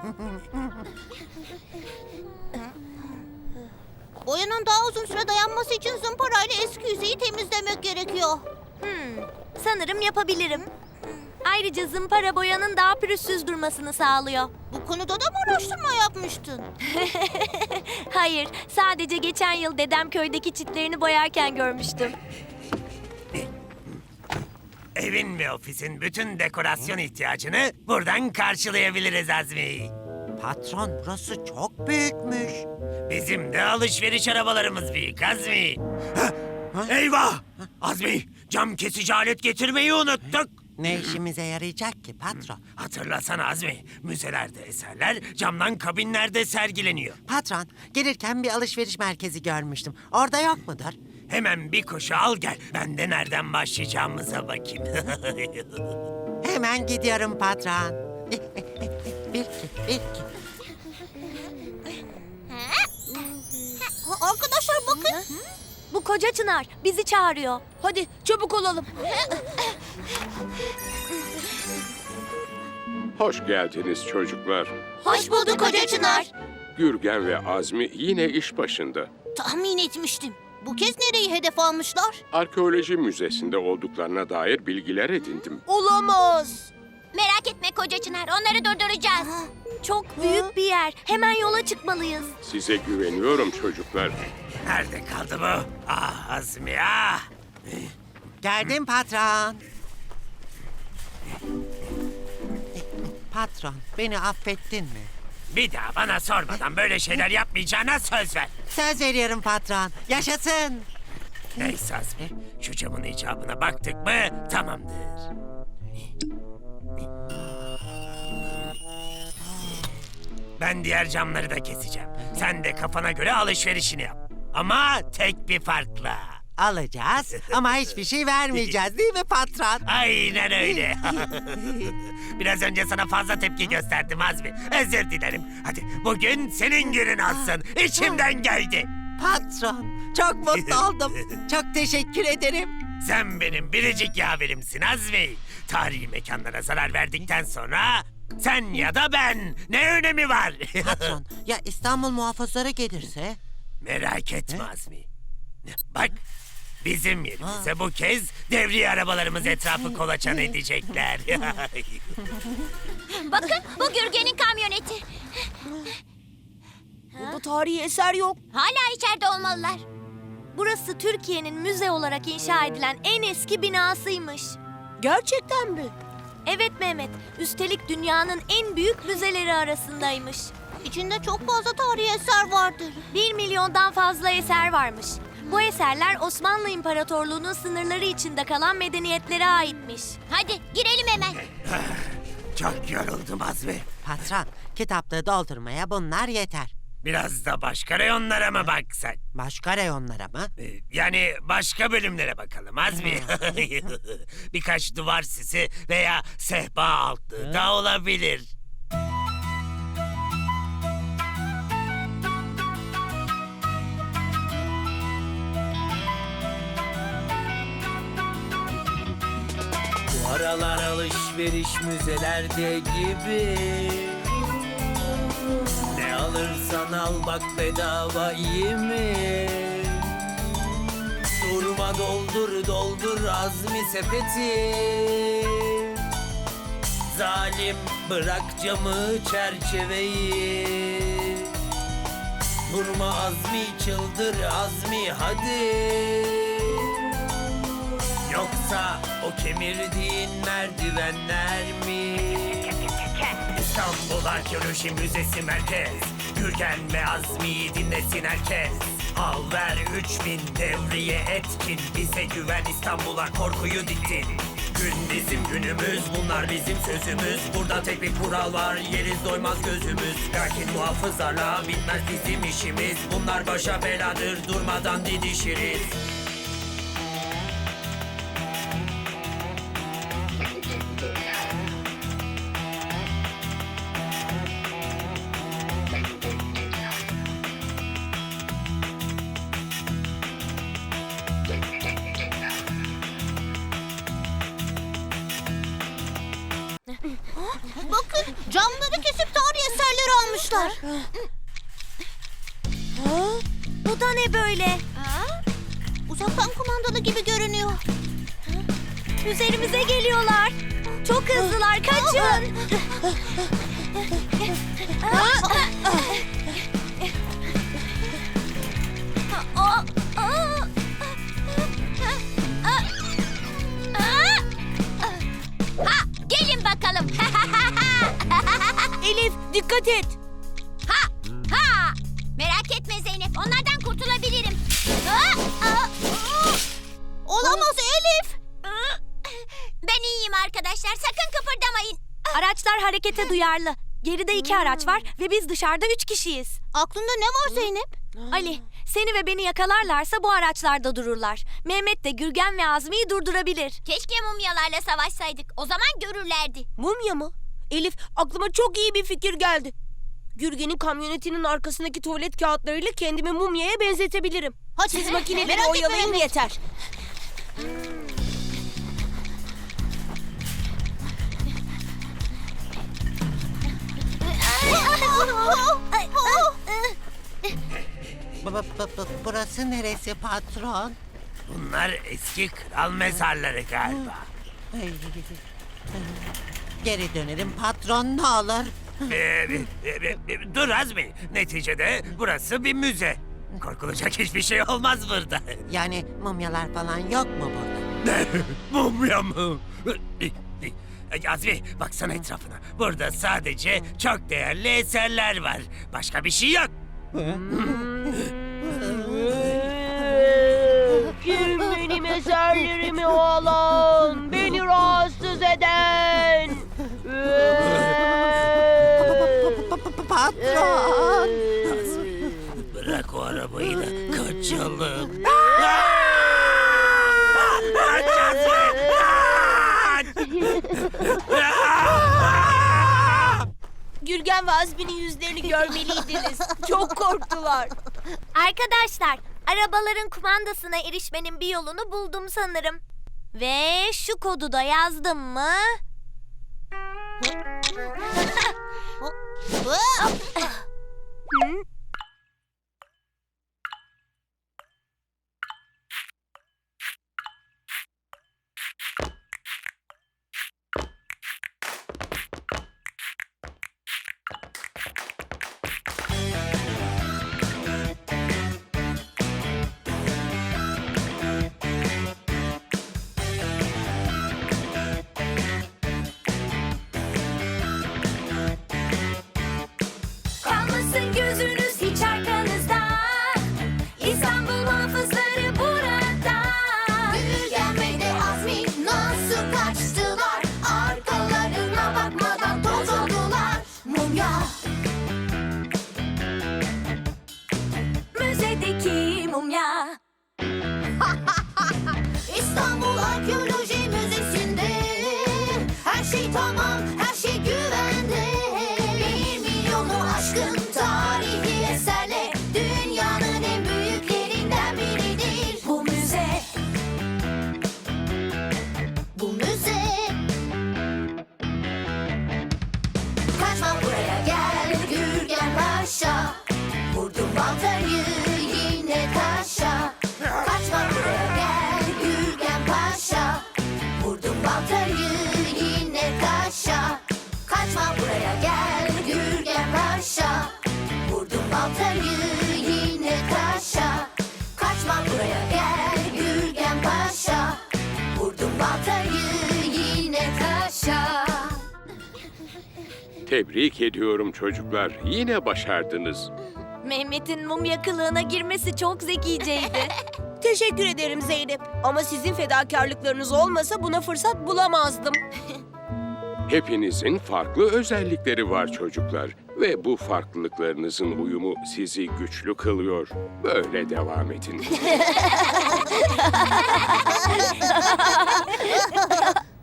Boyanın daha uzun süre dayanması için zımparayla eski yüzeyi temizlemek gerekiyor. Sanırım yapabilirim. Ayrıca zımpara boyanın daha pürüzsüz durmasını sağlıyor. Bu konuda da mı araştırma yapmıştın? Hayır, sadece geçen yıl dedem köydeki çitlerini boyarken görmüştüm. Evin ve ofisin bütün dekorasyon ihtiyacını buradan karşılayabiliriz Azmi. Patron, burası çok büyükmüş. Bizim de alışveriş arabalarımız büyük Azmi. Eyvah! Azmi, cam kesici alet getirmeyi unuttuk. Ne işimize yarayacak ki patron? Hatırlasana Azmi, müzelerde eserler camdan kabinlerde sergileniyor. Patron, gelirken bir alışveriş merkezi görmüştüm. Orada yok mudur? Hemen bir koşu al gel. Ben de nereden başlayacağımıza bakayım. Hemen gidiyorum patron. Bir iki, bir iki. Arkadaşlar bakın. Bu koca çınar bizi çağırıyor. Hadi çabuk olalım. Hoş geldiniz çocuklar. Hoş bulduk Hoca Çınar. Gürgen ve Azmi yine iş başında. Tahmin etmiştim. Bu kez nereyi hedef almışlar? Arkeoloji müzesinde olduklarına dair bilgiler edindim. Olamaz. Merak etme koca çınar, onları durduracağız. Çok büyük bir yer. Hemen yola çıkmalıyız. Size güveniyorum çocuklar. Nerede kaldı bu? Ah Azmi ah! Geldim patron. Patron, beni affettin mi? Bir daha bana sormadan böyle şeyler yapmayacağına söz ver. Söz veriyorum patron. Yaşasın. Neyse Azmi, şu camın icabına baktık mı tamamdır. Ben diğer camları da keseceğim. Sen de kafana göre alışverişini yap. Ama tek bir farkla. Alacağız ama hiçbir şey vermeyeceğiz değil mi patron? Aynen öyle. Biraz önce sana fazla tepki gösterdim Azmi. Özür dilerim. Hadi bugün senin günün olsun. İçimden geldi. Patron, çok mutlu oldum. Çok teşekkür ederim. Sen benim biricik yaverimsin Azmi. Tarihi mekanlara zarar verdikten sonra sen ya da ben ne önemi var? Patron, ya İstanbul muhafızları gelirse? Merak etme Azmi. Bak bizim yerimize bu kez devriye arabalarımız etrafı kolaçan edecekler. Bakın bu Gürgen'in kamyoneti. Burada tarihi eser yok. Hala içeride olmalılar. Burası Türkiye'nin müze olarak inşa edilen en eski binasıymış. Gerçekten mi? Evet Mehmet, üstelik dünyanın en büyük müzeleri arasındaymış. İçinde çok fazla tarihi eser vardır. 1 milyondan fazla eser varmış. Bu eserler Osmanlı İmparatorluğu'nun sınırları içinde kalan medeniyetlere aitmiş. Hadi girelim hemen. Çok yoruldum Azmi. Patron, kitaplığı doldurmaya bunlar yeter. Biraz da başka reyonlara mı baksak? Başka reyonlara mı? Yani başka bölümlere bakalım Azmi. Birkaç duvar sisi veya sehpa altlığı da olabilir. Bu aralar alışveriş müzelerde gibi. Ne alırsan al bak bedava iyi mi? Durma doldur doldur Azmi sepeti. Zalim bırak camı çerçeveyi. Durma Azmi çıldır Azmi hadi. Yoksa o kemirdiğin merdivenler mi? İstanbul Arkeoloji Müzesi Merkez. Gürgen ve Azmi'yi dinlesin herkes. Al ver 3000 devriye etkin. Bize güven İstanbul'a korkuyu diktin. Gün bizim günümüz, bunlar bizim sözümüz. Burada tek bir kural var, yeriz doymaz gözümüz. Lakin muhafızlarla bitmez bizim işimiz. Bunlar başa beladır, durmadan didişiriz. Bakın camları kesip tarihi eserleri var. Bu da ne böyle? Uzaktan kumandalı gibi görünüyor. Üzerimize geliyorlar. Çok hızlılar, kaçın. Gelin bakalım. Elif, dikkat et. Ha! Merak etme Zeynep, onlardan kurtulabilirim. Olamaz Elif. Ben iyiyim arkadaşlar, sakın kıpırdamayın. Araçlar harekete duyarlı. Geride 2 araç var ve biz dışarıda 3 kişiyiz. Aklında ne var Zeynep? Ali, seni ve beni yakalarlarsa bu araçlarda dururlar. Mehmet de Gürgen ve Azmi'yi durdurabilir. Keşke mumyalarla savaşsaydık, o zaman görürlerdi. Mumya mı? Elif, aklıma çok iyi bir fikir geldi. Gürgen'in kamyonetinin arkasındaki tuvalet kağıtlarıyla kendimi mumyaya benzetebilirim. Hadi Siz makineleri merak etme oyalayın Mehmet. yeter. Burası neresi patron? Bunlar eski kral mezarları galiba. Ay, Geri dönerim patron, ne olur. Dur Azmi. Neticede burası bir müze. Korkulacak hiçbir şey olmaz burada. Yani mumyalar falan yok mu burada? Mumya mı? Azmi baksana etrafına. Burada sadece çok değerli eserler var. Başka bir şey yok. Kim benim eserlerimi alan, beni rahatsız eden? Patron! Bırak o arabayı da kaçalım. Kaç Azmi! Gürgen ve Azmi'nin yüzlerini görmeliydiniz. Çok korktular. Arkadaşlar, arabaların kumandasına erişmenin bir yolunu buldum sanırım. Ve şu kodu da yazdım mı? Kalmasın gözünüz hiç arkanızda. İstanbul muhafızları burada. Gürgen ve de Azmi nasıl kaçtılar? Arkalarına bakmadan toz oldular. Mumya. Müzedeki mumya. İstanbul Arkeoloji Müzesi'nde her şey tamam, her şey güvende. 1 milyonu aşkın tarihi eserle dünyanın en büyüklerinden biridir. Bu müze. Bu müze. Kaçma buraya gel Gürgen Paşa. Vurdum baltayı yine taşa. Kaçma buraya gel Gürgen Paşa. Vurdum baltayı yine taşa. Kaçma buraya gel Gürgen Paşa. Vurdum baltayı yine taşa. Kaçma buraya gel Gürgen Paşa. Vurdum baltayı yine taşa. Tebrik ediyorum çocuklar. Yine başardınız. Mehmet'in mumya kılığına girmesi çok zekiceydi. Teşekkür ederim Zeynep. Ama sizin fedakarlıklarınız olmasa buna fırsat bulamazdım. Hepinizin farklı özellikleri var çocuklar. Ve bu farklılıklarınızın uyumu sizi güçlü kılıyor. Böyle devam edin.